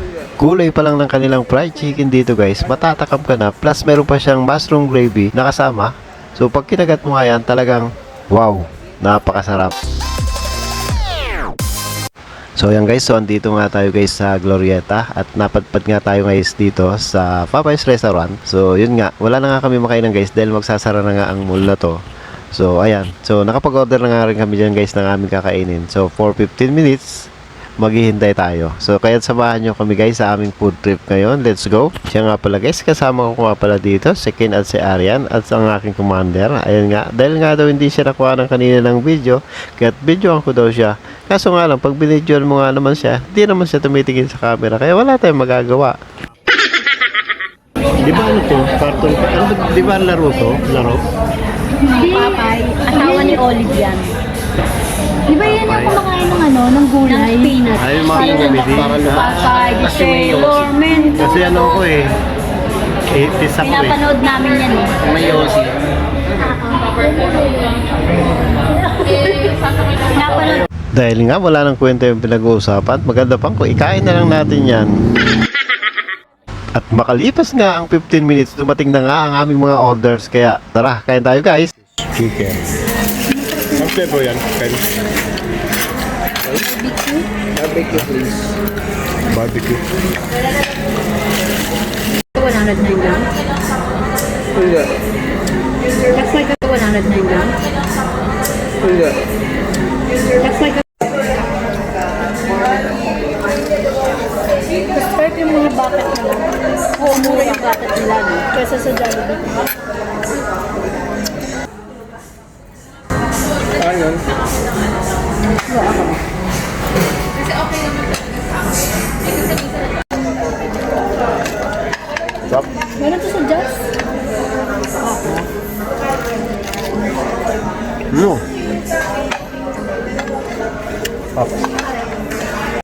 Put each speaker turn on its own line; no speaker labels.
Kulay pa lang ng kanilang fried chicken dito guys, matatakam ka na. Plus meron pa siyang mushroom gravy na kasama. So pag kinagat mo nga yan, talagang wow, napakasarap. So yan guys, so andito nga tayo guys sa Glorieta at napadpad nga tayo guys dito sa Popeyes Restaurant. So yun nga, wala na nga kami makainan guys dahil magsasara na nga ang mall na to. So ayan, so nakapag-order na nga rin kami dyan guys ng aming kakainin. So for 15 minutes, maghihintay tayo. So kaya samahan nyo kami guys sa aming food trip ngayon. Let's go. Siya nga pala guys, kasama ko nga pala dito si Ken at si Arian at ang aking commander. Ayun nga, dahil nga daw hindi siya nakuha ng kanina ng video, kaya't videoan ko daw siya. Kaso nga lang, pag binidyoan mo nga naman siya, hindi naman siya tumitingin sa camera, kaya wala tayong magagawa. Di ba ano to? Cartoon? Ano, di ba laro to? Laro?
Papay, asawa ni Olive yan. Di ba yan yung kumakain ng ano, ng gulay? Ng spinach.
Ay, yung mga comedy.
Papay, di Sailor Mento.
Kasi ano ko eh, 80s ako eh.
Pinapanood namin yan eh.
May yosi.
Pinapanood.
Dahil nga wala nang kwenta yung pinag-uusapan, maganda pang kung ikain na lang natin yan. At makalipas nga ang 15 minutes, dumating na nga ang aming mga orders. Kaya tara, kain tayo guys. Chicken. Ang flavor yan, Ken?
Barbecue please.
Barbecue.
109 grams.
Pulga.
That's like a 109 grams.
Pulga.
That's like a... Mas pwede yung mga bucket nila. Oo, mura yung bucket nila. No? Kesa sa Jollibee.
Ayun.
Stop.
Meron to sa Jazz?
No. Stop.